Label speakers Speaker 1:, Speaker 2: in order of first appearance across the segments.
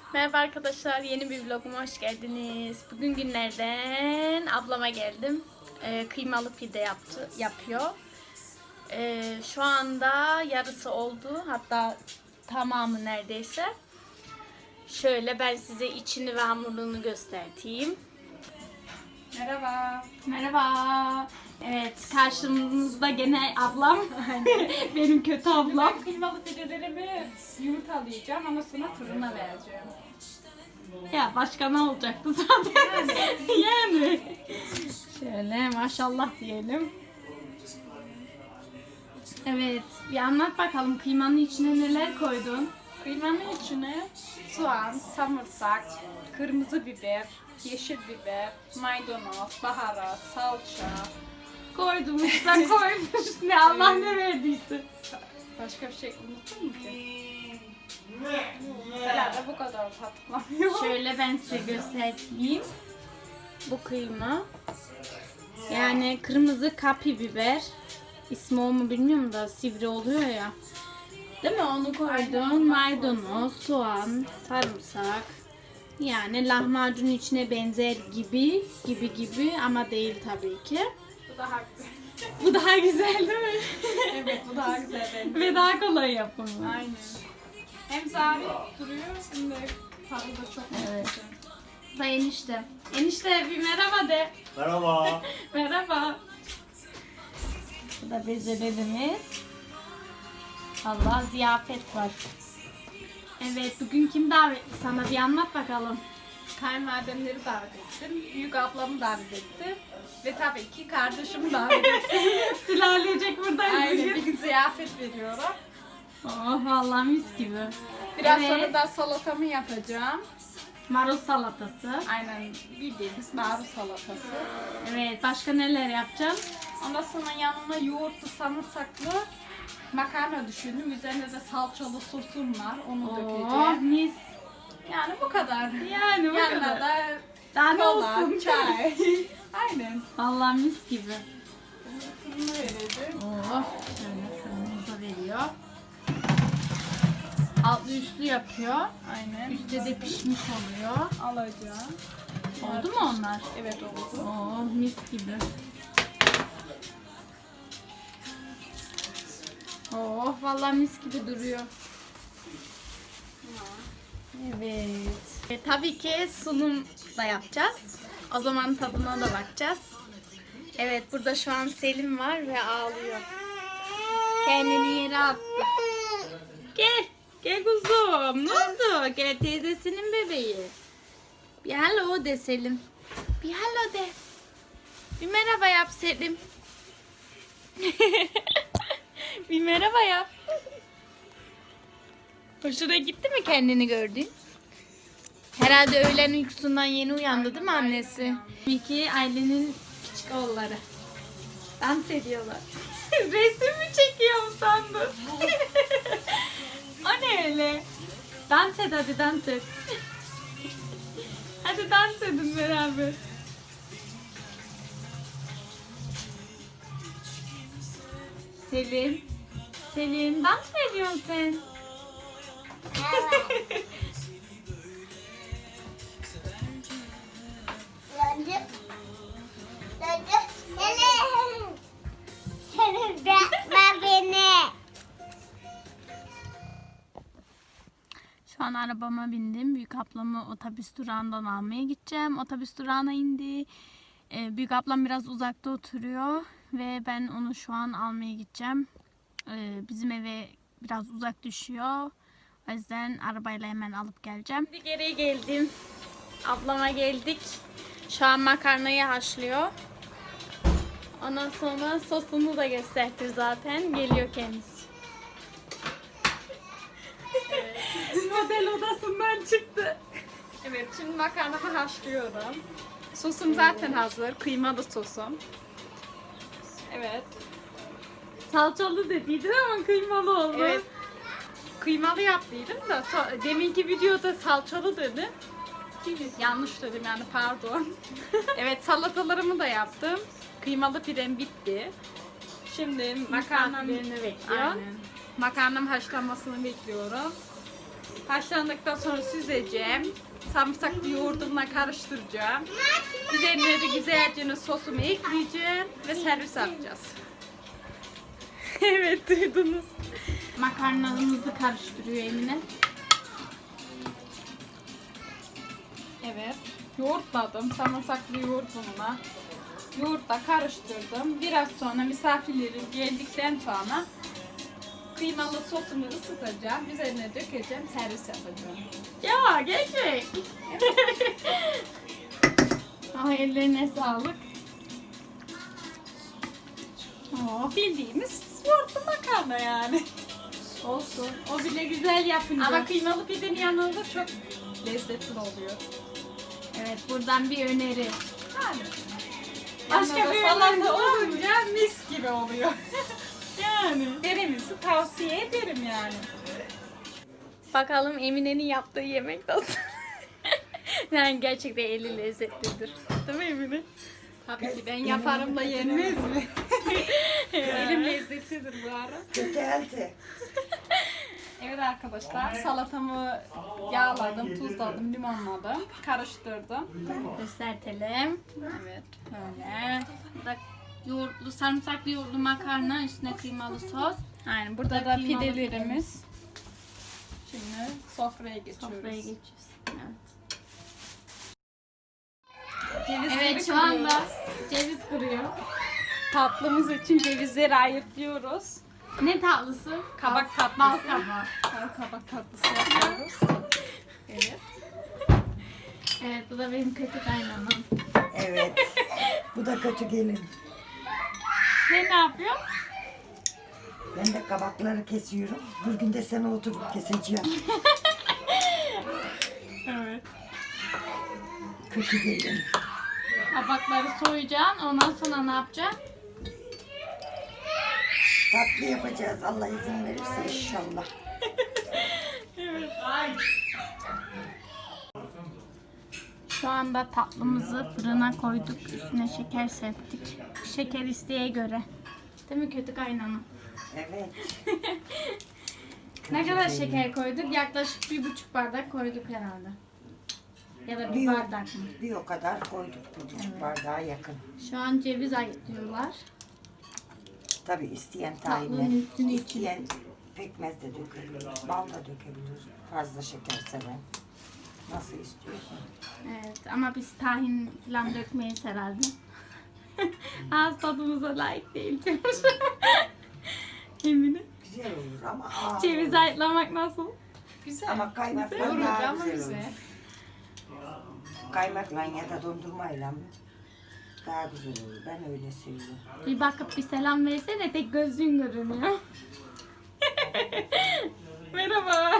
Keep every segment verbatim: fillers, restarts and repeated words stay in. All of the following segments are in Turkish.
Speaker 1: Merhaba arkadaşlar, yeni bir vloguma hoş geldiniz. Bugün günlerden ablama geldim. Ee, kıymalı pide yaptı, yapıyor. Ee, şu anda yarısı oldu, hatta tamamı neredeyse. Şöyle ben size içini ve hamurunu göstereyim.
Speaker 2: Merhaba.
Speaker 1: Merhaba. Evet, karşımızda gene ablam. Benim kötü ablam.
Speaker 2: Ben kıymalı pidelerimi yumurtalayacağım ama sonra fırına vereceğim.
Speaker 1: Ya başka ne olacaktı zaten? Yani. Şöyle maşallah diyelim. Evet, bir anlat bakalım kıymanın içine neler koydun?
Speaker 2: Kıymanın içine soğan, samırsak, kırmızı biber, yeşil biber, maydanoz, baharat, salça.
Speaker 1: Koydum, sen koymuş. Ne Allah ne verdiyse.
Speaker 2: Başka bir şey unuttun mu ki? Herhalde bu kadar patlamıyor.
Speaker 1: Şöyle ben size göstereyim. Bu kıyma. Yani kırmızı kapi biber. İsmi o mu bilmiyorum da sivri oluyor ya. Değil mi? Onu koydum. Maydanoz, soğan, sarımsak. Yani lahmacunun içine benzer gibi, gibi gibi ama değil tabii ki.
Speaker 2: Bu daha
Speaker 1: Bu daha güzel değil mi?
Speaker 2: evet, bu daha güzel bence.
Speaker 1: Ve daha kolay yapımı.
Speaker 2: Aynen. Hem zarif duruyor hem de tadı da çok
Speaker 1: Evet.
Speaker 2: güzel.
Speaker 1: Da enişte. Enişte bir merhaba de.
Speaker 3: Merhaba.
Speaker 1: Merhaba. Bu da bezelerimiz. Allah ziyafet var. Evet, bugün kim davetli sana bir anlat bakalım.
Speaker 2: Kayınvalidemleri davet ettim, büyük ablamı davet ettim ve tabii ki kardeşimi davet ettim.
Speaker 1: Sülalecek buradayız
Speaker 2: Aynen, bir
Speaker 1: bugün.
Speaker 2: gün ziyafet veriyorum.
Speaker 1: Oh vallahi mis gibi.
Speaker 2: Biraz
Speaker 1: Evet.
Speaker 2: sonra da salatamı yapacağım.
Speaker 1: Marul salatası.
Speaker 2: Aynen bildiğimiz marul salatası.
Speaker 1: Evet, başka neler yapacağım?
Speaker 2: Ondan sonra yanına yoğurtlu, samırsaklı makarna düşündüm. Üzerine de salçalı sosum var, onu
Speaker 1: Oh
Speaker 2: dökeceğim.
Speaker 1: mis.
Speaker 2: Yani bu kadar.
Speaker 1: Yani bu
Speaker 2: Yanına
Speaker 1: kadar.
Speaker 2: da
Speaker 1: Daha ne
Speaker 2: kola,
Speaker 1: olsun?
Speaker 2: çay. Aynen.
Speaker 1: Vallahi mis gibi.
Speaker 2: Fırına vereceğim.
Speaker 1: Oh, şöyle fırınımıza veriyor. Altlı üstlü yapıyor.
Speaker 2: Aynen.
Speaker 1: Üstte de pişmiş oluyor.
Speaker 2: Alacağım.
Speaker 1: Oldu mu onlar?
Speaker 2: Evet, oldu.
Speaker 1: Oh mis gibi. Oh vallahi mis gibi duruyor. Evet. E, tabii ki sunum da yapacağız. O zaman tadına da bakacağız. Evet, burada şu an Selim var ve ağlıyor. Kendini yere attı. Gel. Gel kuzum. Ne oldu? Gel, teyzesinin bebeği. Bir hello de Selim. Bir hello de. Bir merhaba yap Selim. Bir merhaba yap. Hoşuna gitti mi kendini gördün? Herhalde öğlen uykusundan yeni uyandı değil mi annesi? İki ailenin küçük oğulları. Dans ediyorlar. Resim mi çekiyorum sandın? O ne öyle? Dans et hadi, dans et. Hadi dans edin beraber. Selim. Selim, dans mı ediyorsun sen?
Speaker 4: Döndüm. Döndüm. Senin. Senin bırakma beni.
Speaker 1: Şu an arabama bindim. Büyük ablamı otobüs durağından almaya gideceğim. Otobüs durağına indi. Ee, büyük ablam biraz uzakta oturuyor ve ben onu şu an almaya gideceğim. Ee, bizim eve biraz uzak düşüyor. O yüzden arabayla hemen alıp geleceğim. Şimdi geri geldim. Ablama geldik. Şu an makarnayı haşlıyor. Ondan sonra sosunu da gösterdi zaten. Geliyor kendisi. Model odasından çıktı.
Speaker 2: Evet, şimdi makarnamı haşlıyorum. Sosum zaten hazır, kıymalı sosum. Evet.
Speaker 1: Salçalı dediydin ama kıymalı oldu.
Speaker 2: Evet. Kıymalı yaptıydım da so- deminki videoda salçalı dedim. Yanlış dedim yani, pardon. Evet, salatalarımı da yaptım. Kıymalı pidem bitti. Şimdi makarnam
Speaker 1: Misafirlerini bekliyor.
Speaker 2: Aynen. Makarnam haşlanmasını bekliyorum. Haşlandıktan sonra süzeceğim. Sarımsaklı yoğurdumla karıştıracağım. Üzerine de güzelce sosumu ekleyeceğim ve servis yapacağız. Evet, duydunuz.
Speaker 1: Makarnamızı karıştırıyor Emine.
Speaker 2: Evet. Yoğurtladım. Sarımsaklı yoğurt bununla. Yoğurtla karıştırdım. Biraz sonra misafirlerim geldikten sonra kıymalı sosumu ısıtacağım. Üzerine dökeceğim. Servis yapacağım.
Speaker 1: Ya gerçek. Ay ellerine sağlık.
Speaker 2: Oh, bildiğimiz yoğurtlu makarna yani.
Speaker 1: Olsun. O bile güzel yapınca.
Speaker 2: Ama kıymalı pidenin yanında çok lezzetli oluyor.
Speaker 1: Evet, buradan bir öneri.
Speaker 2: Yani.
Speaker 1: Başka
Speaker 2: Başka
Speaker 1: bir
Speaker 2: bir salata
Speaker 1: öneri var mı?
Speaker 2: olunca mis gibi oluyor.
Speaker 1: Yani.
Speaker 2: Denemenizi tavsiye ederim yani.
Speaker 1: Bakalım Emine'nin yaptığı yemek nasıl? Yani gerçekten eli lezzetlidir. Değil mi Emine?
Speaker 2: Tabii ki ben yaparım da yenmez mi? Elim lezzetlidir bu ara.
Speaker 3: Geldi.
Speaker 2: Evet arkadaşlar, salatamı yağladım, tuzladım, limonladım, karıştırdım.
Speaker 1: Göstertelim.
Speaker 2: Evet.
Speaker 1: Böyle. Burada yoğurtlu, sarımsaklı yoğurtlu makarna, üstüne kıymalı sos.
Speaker 2: Aynen, burada da
Speaker 1: Kıymalı
Speaker 2: pidelerimiz. Şimdi sofraya geçiyoruz.
Speaker 1: Sofraya geçiyoruz. Evet.
Speaker 2: Cevizleri
Speaker 1: Evet, şu
Speaker 2: kırıyoruz.
Speaker 1: anda ceviz kırıyor.
Speaker 2: Tatlımız için cevizleri ayırtıyoruz.
Speaker 1: Ne tatlısı?
Speaker 2: Kabak tatlısı.
Speaker 1: Bal kabağı.
Speaker 2: Bal kabak tatlısı yapıyoruz. Evet.
Speaker 1: Evet, bu da benim kötü kaynamam.
Speaker 3: Evet. Bu da kötü gelin.
Speaker 2: Sen ne yapıyorsun?
Speaker 3: Ben de kabakları kesiyorum. Bir gün de sana oturup keseceğim.
Speaker 2: Evet.
Speaker 3: Kötü gelin.
Speaker 1: Kabakları soyacaksın, ondan sonra ne yapacaksın?
Speaker 3: Tatlı yapacağız. Allah izin verirse inşallah.
Speaker 1: Şu anda tatlımızı fırına koyduk. Üstüne şeker serptik. Şeker isteğe göre. Değil mi kötü kaynana?
Speaker 3: Evet.
Speaker 1: Ne kadar şeker koyduk? Yaklaşık bir buçuk bardak koyduk herhalde. Ya da bir
Speaker 3: Bir,
Speaker 1: bardak mı?
Speaker 3: bir o kadar koyduk. Bir buçuk bardağa yakın.
Speaker 1: Şu an ceviz ayıtlıyorlar.
Speaker 3: Tabii isteyen
Speaker 1: Tatlının
Speaker 3: tahinle,
Speaker 1: üstünü için.
Speaker 3: isteyen pekmez de dökebilir. Bal da dökebilir. Fazla şeker seven. Nasıl istiyorsun?
Speaker 1: Evet ama biz tahin falan dökmeyiz herhalde. Ağız tadımıza layık değil diyoruz. Emine.
Speaker 3: Güzel olur ama ağır
Speaker 1: Ceviz
Speaker 3: olur.
Speaker 1: ayıtlamak nasıl?
Speaker 2: Güzel.
Speaker 3: Ama kaymakla
Speaker 2: Yorucu
Speaker 3: daha
Speaker 2: ama
Speaker 3: güzel
Speaker 2: güzel.
Speaker 3: olur. Kaymakla ya da dondurmayla daha güzel olur. Ben öyle seviyorum.
Speaker 1: Bir bakıp bir selam versene, tek gözlüğün görünüyor.
Speaker 2: Merhaba.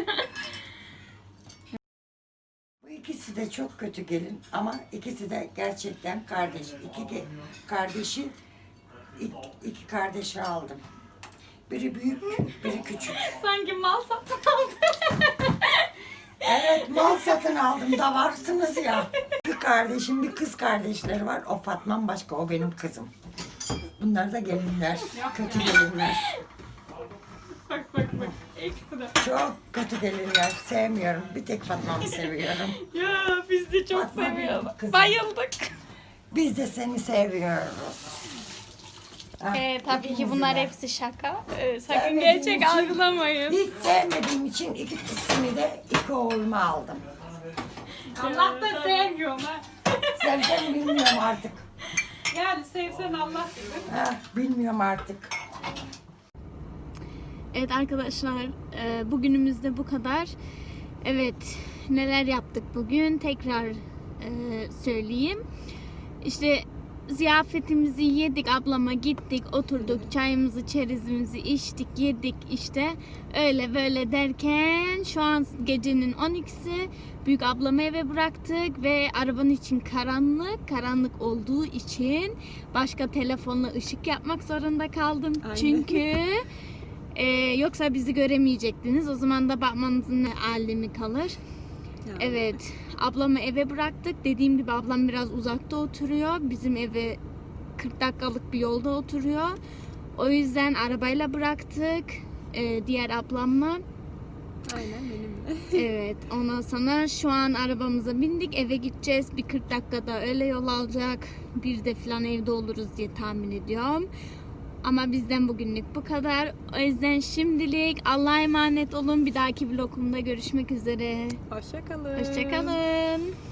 Speaker 3: Bu ikisi de çok kötü gelin ama ikisi de gerçekten kardeş. İki ge- kardeşi, iki, iki kardeşi aldım. Biri büyük, biri küçük.
Speaker 1: Sanki mal satın aldı.
Speaker 3: Evet, mal satın aldım da varsınız ya. Bir kardeşim, bir kız kardeşleri var. O Fatma'm başka, o benim kızım. Bunlar da gelinler, kötü gelinler.
Speaker 2: Bak bak bak. Ekstra.
Speaker 3: Çok kötü gelinler, sevmiyorum. Bir tek Fatma'mı seviyorum.
Speaker 2: Ya biz de çok
Speaker 3: Fatma benim
Speaker 2: seviyoruz.
Speaker 3: kızım.
Speaker 2: Bayıldık.
Speaker 3: Biz de seni seviyoruz. Ha,
Speaker 1: Ee, tabii ki
Speaker 3: ikimizi
Speaker 1: bunlar
Speaker 3: de.
Speaker 1: hepsi şaka. Ee, sakın
Speaker 3: Sevmediğim
Speaker 1: gerçek
Speaker 3: için-
Speaker 1: algılamayın.
Speaker 3: Hiç sevmediğim için ikisini de iki oğluma aldım.
Speaker 2: Allah da sevmiyor ha.
Speaker 3: Sevden bilmiyorum artık.
Speaker 2: Yani sevsen Allah bilir.
Speaker 3: Ha, bilmiyorum artık.
Speaker 1: Evet arkadaşlar, e, bugünümüzde bu kadar. Evet, neler yaptık bugün tekrar e, söyleyeyim. İşte ziyafetimizi yedik, ablama gittik, oturduk, çayımızı, çerezimizi içtik, yedik işte. Öyle böyle derken şu an gecenin on ikisi. Büyük ablamı eve bıraktık ve arabanın için karanlık, karanlık olduğu için başka telefonla ışık yapmak zorunda kaldım. Çünkü Ee, yoksa bizi göremeyecektiniz. O zaman da bakmanızın ne alemi kalır. Evet. Ablamı eve bıraktık. Dediğim gibi ablam biraz uzakta oturuyor. Bizim eve kırk dakikalık bir yolda oturuyor. O yüzden arabayla bıraktık. Ee, diğer ablamla.
Speaker 2: Aynen benimle.
Speaker 1: Evet, ondan sonra şu an arabamıza bindik, eve gideceğiz. Bir kırk dakikada öyle yol alacak. Bir de falan evde oluruz diye tahmin ediyorum. Ama bizden bugünlük bu kadar. O yüzden şimdilik Allah'a emanet olun. Bir dahaki vlogumda görüşmek üzere.
Speaker 2: Hoşçakalın.
Speaker 1: Hoşçakalın.